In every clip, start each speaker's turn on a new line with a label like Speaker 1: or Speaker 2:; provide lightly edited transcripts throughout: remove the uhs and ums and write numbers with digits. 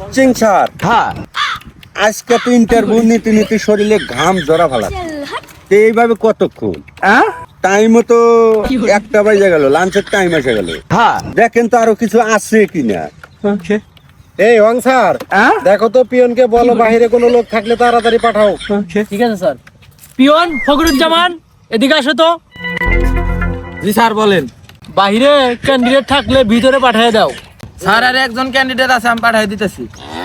Speaker 1: Coaching sir,
Speaker 2: হ্যাঁ
Speaker 1: আজকে তো ইন্টারভিউ নিতে নিতে শরীরে ঘাম জড়া ফেলা, এইভাবে কতক্ষণ? টাইমও তো 1টা বাজে গেল, লাঞ্চের টাইম এসে গেল।
Speaker 2: হ্যাঁ
Speaker 1: দেখেন তো আরো কিছু আছে কিনা।
Speaker 3: এই ওয়াং স্যার, দেখো তো পিয়নকে বলো বাইরে কোনো লোক থাকলে তাড়াতাড়ি পাঠাও।
Speaker 4: ঠিক আছে স্যার। পিয়ন ফখরুজ্জামান, এদিকে আসো তো।
Speaker 2: জি স্যার বলেন।
Speaker 4: বাইরে ক্যান্ডিডেট থাকলে ভিতরে পাঠিয়ে দাও।
Speaker 2: স্যার আর একজন ক্যান্ডিডেট আছে, আমি পাঠিয়ে দিতেছি।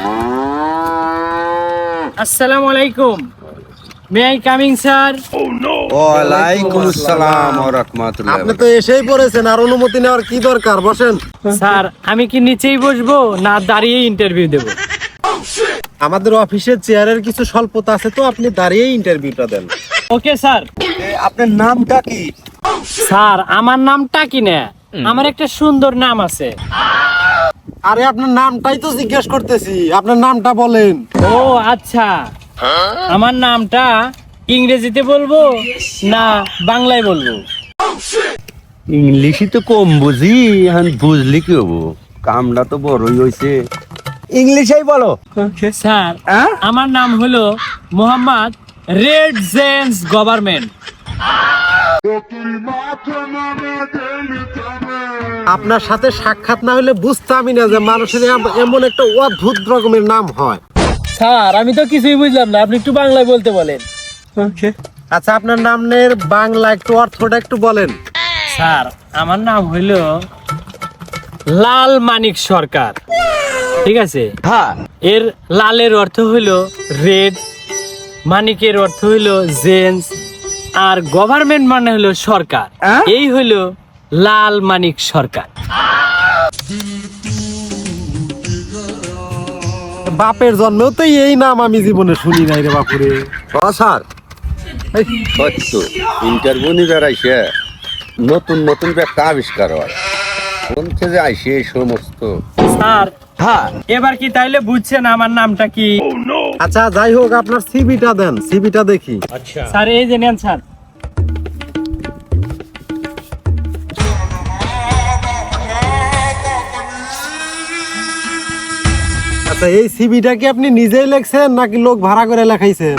Speaker 4: আসসালামু আলাইকুম, মে আই কামিং স্যার?
Speaker 1: ওয়ালাইকুম আসসালাম ওয়া রাহমাতুল্লাহ।
Speaker 3: আপনি তো এসেই পড়েছেন, আর অনুমতি নেওয়ার কি দরকার? বসেন।
Speaker 4: স্যার আমি কি নিচেই বসবো না দাঁড়িয়ে ইন্টারভিউ দেব?
Speaker 3: আমাদের অফিসের চেয়ারের কিছু স্বল্পতা আছে, তো আপনি দাঁড়িয়ে ইন্টারভিউটা দেন।
Speaker 4: Okay sir.
Speaker 1: আপনার নামটা কি?
Speaker 4: স্যার আমার নামটা কি না, আমার একটা সুন্দর নাম আছে।
Speaker 3: আরে আপনার নামটাই তো জিজ্ঞেস করতেছি, আপনার নামটা বলেন।
Speaker 4: ও আচ্ছা, আমার নামটা ইংরেজিতে বলবো না বাংলায় বলবো?
Speaker 1: ইংলিশই তো কম বুঝি, এখন বুঝলি কি হবো, কামটা তো বড়ই হইছে, ইংলিশেই বলো।
Speaker 4: স্যার আমার নাম হলো মোহাম্মদ রেড জেন্স গভর্নমেন্ট।
Speaker 3: আপনার সাথে সাক্ষাৎ না হলে বুঝতামই না যে মানুষের এমন একটা অদ্ভুত রকমের নাম হয়।
Speaker 4: স্যার আমি তো কিছুই বুঝলাম না, আপনি একটু বাংলায় বলতে বলেন।
Speaker 3: আচ্ছা, আপনার নামের বাংলা একটু অর্থটা একটু বলেন।
Speaker 4: স্যার আমার নাম হইলো লাল মানিক সরকার, ঠিক আছে?
Speaker 2: হ্যাঁ
Speaker 4: এর লালের অর্থ হইলো রেড, মানিকের অর্থ হইলো জেন্স, আর গভর্নমেন্ট মানে হলো সরকার। এই হইলো লাল মানিক সরকার।
Speaker 3: বাপের জন্মেও তো এই নাম আমি জীবনে শুনি নাই রে বাপুরে।
Speaker 1: স্যার সত্য, ইন্টারভিউ নিতে আইসে নতুন নতুন একটা আবিষ্কার হয়, কোন থেকে আইসে এই সমস্ত।
Speaker 4: স্যার
Speaker 2: হ্যাঁ
Speaker 4: এবার কি তাইলে বুঝছেন আমার নামটা কি?
Speaker 3: আচ্ছা যাই হোক, আপনার সিভিটা দেন, সিভিটা দেখি।
Speaker 4: স্যার এই যে নেন স্যার।
Speaker 3: আচ্ছা, এই সিভিটা কি আপনি নিজেই লেখছেন নাকি লোক ভাড়া করে লেখাইছেন?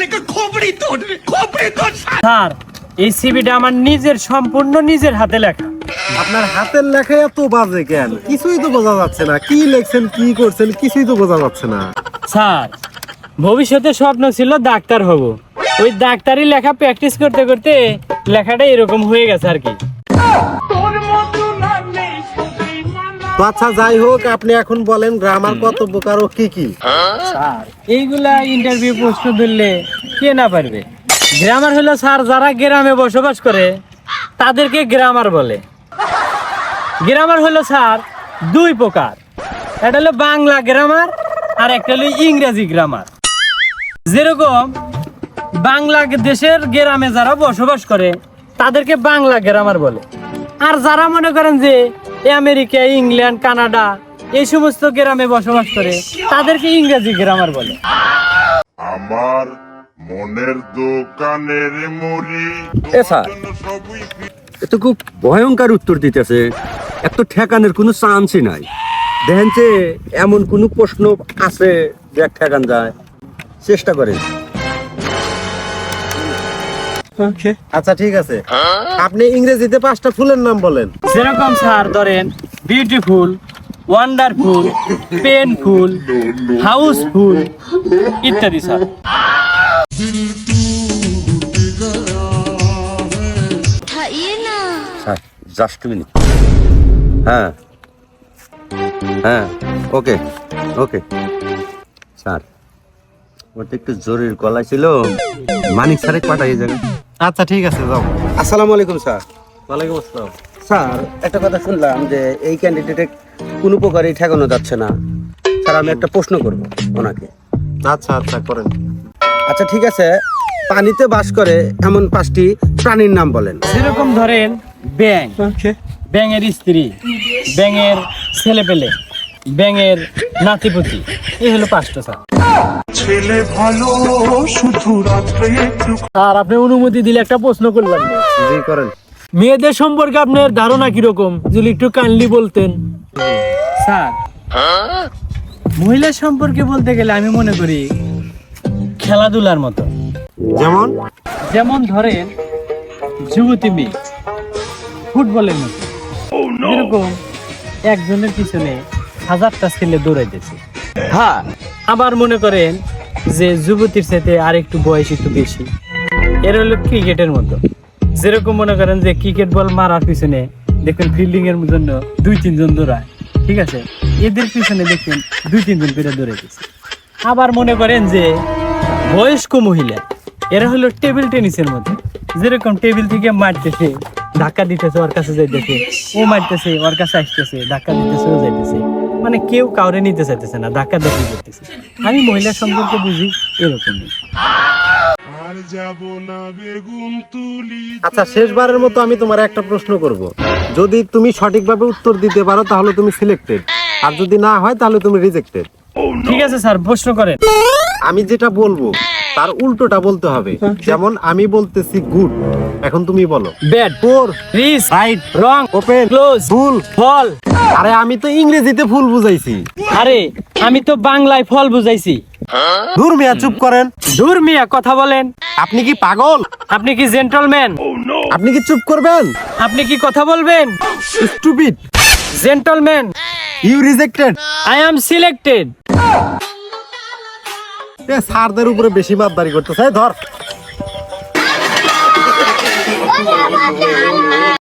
Speaker 4: স্যার এই সিভিটা আমার নিজের, সম্পূর্ণ নিজের হাতে লেখা।
Speaker 3: আপনার হাতের লেখা এত বাজে কেন? কিছুই তো বোঝা যাচ্ছে না, কি লেখছেন কি করছেন কিছুই তো বোঝা যাচ্ছে না।
Speaker 4: স্যার ভবিষ্যতে স্বপ্ন ছিল ডাক্তার হব, ওই ডাক্তারি লেখা প্র্যাকটিস করতে করতে লেখাটা এরকম হয়ে গেছে আর কি।
Speaker 3: তো আচ্ছা যাই হোক, আপনি এখন বলেন গ্রামার কত প্রকার ও কি কি?
Speaker 4: স্যার এইগুলা ইন্টারভিউ প্রশ্ন ধরলে কে না পারবে? গ্রামার হলো স্যার যারা গ্রামে বসবাস করে তাদেরকে গ্রামার বলে। গ্রামার হলো স্যার 2 প্রকার, একটা হলো বাংলা গ্রামার আর একটা হলো ইংরেজি গ্রামার। যেরকম বাংলাদেশের গ্রামে যারা বসবাস করে তাদেরকে বাংলা গ্রামার বলে, আর যারা মনে করেন যে আমেরিকা, ইংল্যান্ড, কানাডা এই সমস্ত গ্রামে বসবাস করে তাদেরকে ইংরেজি গ্রামার বলে।
Speaker 5: আমার মনের দোকানের মুড়ি
Speaker 1: এ স্যার, এত খুব ভয়ঙ্কর উত্তর দিতেছে, এত ঠেকানোর কোনো চান্সই নাই। দেখেন যে এমন কোনো প্রশ্ন আছে যে ঠেকান যায়, চেষ্টা করেন।
Speaker 3: আচ্ছা ঠিক আছে, আপনি ইংরেজিতে 5টা ফুলের নাম বলেন।
Speaker 4: যেরকম স্যার ধরেন বিউটিফুল, ওয়ান্ডারফুল, পেনফুল, হাউসফুল ইত্যাদি। Sir
Speaker 1: sir just minute. হ্যাঁ হ্যাঁ, ওকে ওকে স্যার, ওটা একটু জরুরি কলা ছিল, মানিক স্যারে পাঠাই যাবে।
Speaker 3: আচ্ছা ঠিক আছে, যাও।
Speaker 1: আসসালামু আলাইকুম স্যার।
Speaker 3: ওয়ালাইকুম আসসালাম।
Speaker 1: স্যার একটা কথা শুনলাম যে এই ক্যান্ডিডেটে কোনো প্রকারই ঠেকানো যাচ্ছে না। স্যার আমি একটা প্রশ্ন করব ওনাকে।
Speaker 3: আচ্ছা আচ্ছা করেন।
Speaker 1: আচ্ছা ঠিক আছে, পানিতে বাস করে এমন 5টি প্রাণীর নাম বলেন।
Speaker 4: যেরকম ধরেন ব্যাঙ, ব্যাঙের স্ত্রী, ব্যাঙের ছেলেপেলে, ব্যাঙের নাতিপুতি, এই হলো 5টা। স্যার
Speaker 5: ছেলে ভালো শুধু রাত্রে একটু।
Speaker 4: আর আপনি অনুমতি দিলে একটা প্রশ্ন করলাম।
Speaker 3: জি করেন।
Speaker 4: মেয়েদের সম্পর্কে আপনার ধারণা কিরকম যদি একটু কাইন্ডলি বলতেন। স্যার মহিলা সম্পর্কে বলতে গেলে আমি মনে করি খেলাধুলার মতো।
Speaker 3: যেমন
Speaker 4: যেমন ধরেন যুবতী মেয়ে ফুটবলের মতো, এরকম একজনের পিছনে হাজারটা ছেলে দৌড়াইতেছে।
Speaker 2: হ্যাঁ,
Speaker 4: আবার মনে করেন যে যুবতীর সাথে আর একটু বয়স একটু বেশি, এর হলো ক্রিকেটের মতো। যেরকম মনে করেন যে ক্রিকেট বল মারার পিছনে দেখবেন ফিল্ডিং এর জন্য 2-3 জন দৌড়ায়, ঠিক আছে, এদের পিছনে দেখবেন 2-3 জন করে দৌড়াইতেছে। আবার মনে করেন যে বয়স্ক মহিলা, এরা হলো টেবিল টেনিসের মতো। যেরকম টেবিল থেকে মারতেছে, ধাক্কা দিতেছে, ওর কাছে যাইতেছে, ও মারতেছে, ওর কাছে আসতেছে, ধাক্কা দিতেছে, ও যাইতেছে, মানে কেউ কাউরে নিতে চাইতেছে না, ধাক্কা ধাক্কি করতেছে। আমি মহিলা সম্পর্কে বুঝি এরকমই।
Speaker 3: আচ্ছা, শেষবারের মতো আমি তোমার একটা প্রশ্ন করব। যদি তুমি সঠিকভাবে উত্তর দিতে পারো তাহলে তুমি সিলেক্টেড, আর যদি না হয় তাহলে তুমি রিজেক্টেড।
Speaker 4: ঠিক আছে স্যার, প্রশ্ন করেন।
Speaker 3: আমি যেটা বলবো তার উল্টোটা বলতে হবে। যেমন আমি বলতেছি গুড, এখন তুমি বলো
Speaker 4: bad,
Speaker 3: poor,
Speaker 4: rich,
Speaker 3: right,
Speaker 4: wrong,
Speaker 3: open,
Speaker 4: close,
Speaker 3: full.
Speaker 4: Fall.
Speaker 3: আরে আমি তো ইংরেজিতে ফুল বুঝাইছি।
Speaker 4: আরে আমি তো বাংলায় ফল বুঝাইছি।
Speaker 3: দূর মিয়া, চুপ করেন।
Speaker 4: দূর মিয়া, কথা বলেন।
Speaker 3: আপনি কি পাগল?
Speaker 4: আপনি কি জেন্টলম্যান?
Speaker 3: আপনি কি চুপ করবেন?
Speaker 4: আপনি কি কথা বলবেন?
Speaker 3: Stupid,
Speaker 4: gentleman,
Speaker 3: you rejected.
Speaker 4: I am selected.
Speaker 3: স্যারদের উপরে বেশি মাতদারি করতেছে, ধর।